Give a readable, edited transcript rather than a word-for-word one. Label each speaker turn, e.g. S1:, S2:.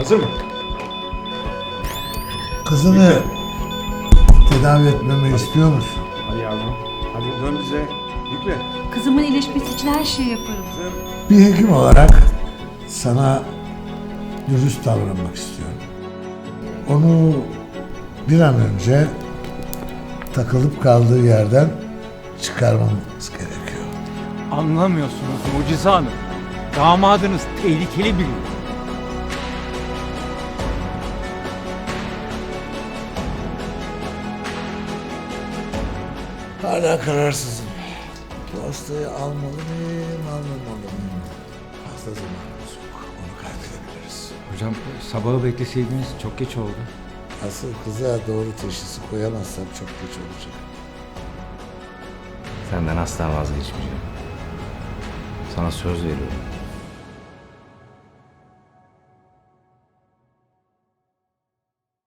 S1: Hazır mı?
S2: Kızını tedavi etmemi istiyor musun?
S1: Hadi yavrum. Hadi dön bize. Yükle.
S3: Kızımın iyileşmesi için her şeyi yaparım.
S2: Bir hekim olarak sana dürüst davranmak istiyorum. Onu bir an önce takılıp kaldığı yerden çıkarmamız gerekiyor.
S4: Anlamıyorsunuz Mucize Hanım. Damadınız tehlikeli biri.
S2: Hala kararsızım. Bu hastayı almalı mıyım, almamalı mıyım? Fazla zamanımız yok. Onu kaybedebiliriz.
S4: Hocam sabahı bekleseydiniz çok geç oldu.
S2: Asıl kıza doğru teşhisi koyamazsam çok geç olacak.
S5: Senden asla vazgeçmeyeceğim. Sana söz veriyorum.